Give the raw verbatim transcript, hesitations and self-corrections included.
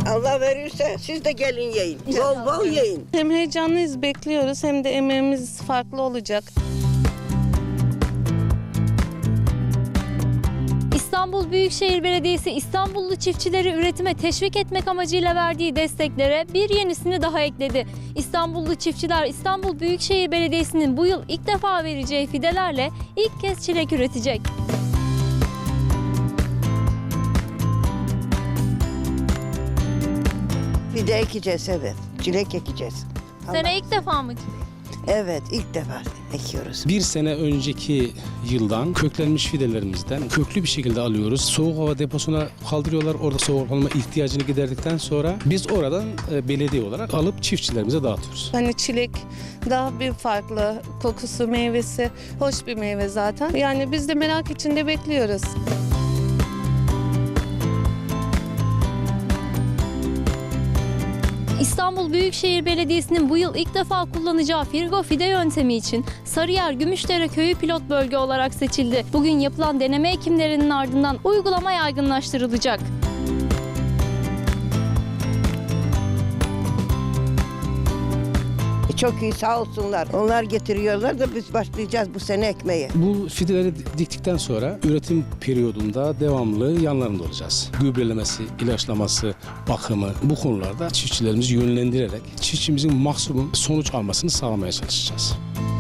Allah verirse siz de gelin yiyin. Bol bol yiyin. Hem heyecanlıyız, bekliyoruz, hem de emeğimiz farklı olacak. İstanbul Büyükşehir Belediyesi İstanbullu çiftçileri üretime teşvik etmek amacıyla verdiği desteklere bir yenisini daha ekledi. İstanbullu çiftçiler İstanbul Büyükşehir Belediyesi'nin bu yıl ilk defa vereceği fidelerle ilk kez çilek üretecek. Fide ekeceğiz, evet. Çilek ekeceğiz. Sene ilk defa mı? Evet, ilk defa ekiyoruz. Bir sene önceki yıldan köklenmiş fidelerimizden köklü bir şekilde alıyoruz. Soğuk hava deposuna kaldırıyorlar. Orada soğuk hava ihtiyacını giderdikten sonra biz oradan e, belediye olarak alıp çiftçilerimize dağıtıyoruz. Hani çilek daha bir farklı, kokusu, meyvesi hoş bir meyve zaten. Yani biz de merak içinde bekliyoruz. İstanbul Büyükşehir Belediyesi'nin bu yıl ilk defa kullanacağı Firgo fide yöntemi için Sarıyer Gümüşdere Köyü pilot bölge olarak seçildi. Bugün yapılan deneme ekimlerinin ardından uygulama yaygınlaştırılacak. Çok iyi, sağ olsunlar. Onlar getiriyorlar da biz başlayacağız bu sene ekmeye. Bu fideleri diktikten sonra üretim periyodunda devamlı yanlarında olacağız. Gübrelemesi, ilaçlaması, bakımı bu konularda çiftçilerimizi yönlendirerek çiftçimizin maksimum sonuç almasını sağlamaya çalışacağız.